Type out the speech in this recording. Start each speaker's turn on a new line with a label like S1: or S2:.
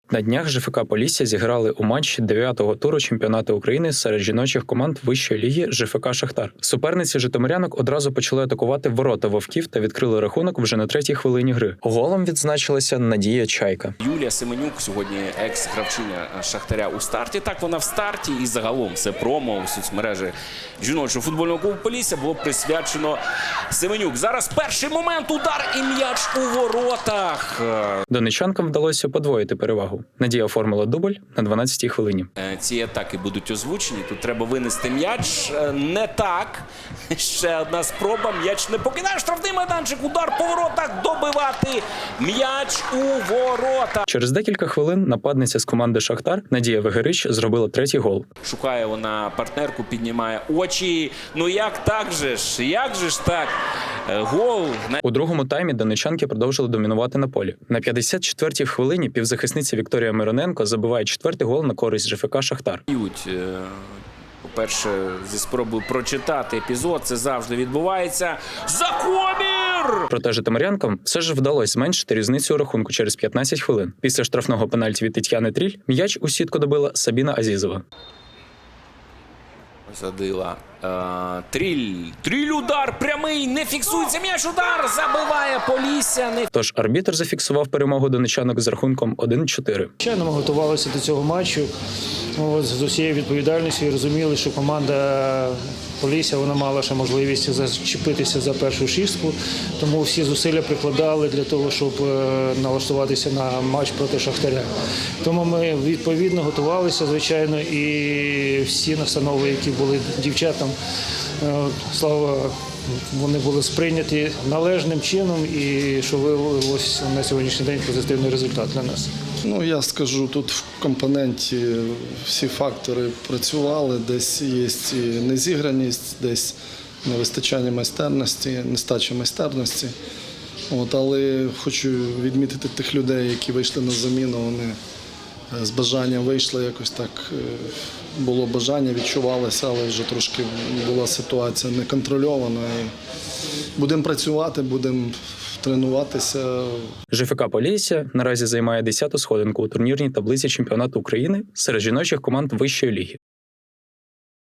S1: На днях ЖФК Полісся зіграли у матчі 9-го туру чемпіонату України серед жіночих команд вищої ліги ЖФК Шахтар. Суперниці житомирянок одразу почали атакувати ворота вовків та відкрили рахунок вже на 3-й хвилині гри. Голом відзначилася Надія Чайка.
S2: Юлія Семенюк сьогодні екс-гравчиня Шахтаря у старті. Так, вона в старті і загалом все промо у соцмережі жіночого футбольного клубу Полісся було присвячено Семенюк. Зараз перший момент, удар і м'яч у воротах.
S1: Донечанкам вдалося подвоїти перевагу. Надія оформила дубль на 12-й хвилині.
S2: Ці атаки будуть озвучені. Тут треба винести м'яч. Не так. Ще одна спроба. М'яч не покидає штрафний майданчик. Удар по воротах. Добивати м'яч у ворота.
S1: Через декілька хвилин нападниця з команди Шахтар Надія Вегерич зробила 3-й гол.
S2: Шукає вона партнерку, піднімає очі. Ну як так же ж? Як же ж так? Гол.
S1: У другому таймі донечанки продовжили домінувати на полі. На 54-й хвилині півзахисниця Вікторія Мироненко забиває 4-й гол на користь ЖФК Шахтар.
S2: По-перше, зі спробою прочитати епізод, це завжди відбувається. Закомір!
S1: Проте житомирянкам все ж вдалося зменшити різницю у рахунку через 15 хвилин. Після штрафного пенальті від Тетяни Тріль м'яч у сітку добила Сабіна Азізова.
S2: Задила. Тріль удар прямий, не фіксується м'яч, удар, забиває Полісся.
S1: Тож арбітр зафіксував перемогу донечанок з рахунком 1-4.
S3: Звичайно, ми готувалися до цього матчу з усією відповідальністю і розуміли, що команда Полісся вона мала ще можливість зачепитися за першу шістку, тому всі зусилля прикладали для того, щоб налаштуватися на матч проти Шахтаря. Тому ми відповідно готувалися, звичайно, і всі настанови, які були дівчатам, слава, вони були сприйняті належним чином і що виявилося на сьогоднішній день позитивний результат для нас.
S4: Ну, я скажу, тут в компоненті всі фактори працювали, десь є і незіграність, десь невистачання майстерності, нестача майстерності. Але хочу відмітити тих людей, які вийшли на заміну, вони з бажанням вийшли, якось так було бажання, відчувалося, але вже трошки була ситуація неконтрольована. І будемо працювати, будемо тренуватися.
S1: ЖФК Полісся наразі займає 10-ту сходинку у турнірній таблиці чемпіонату України серед жіночих команд вищої ліги.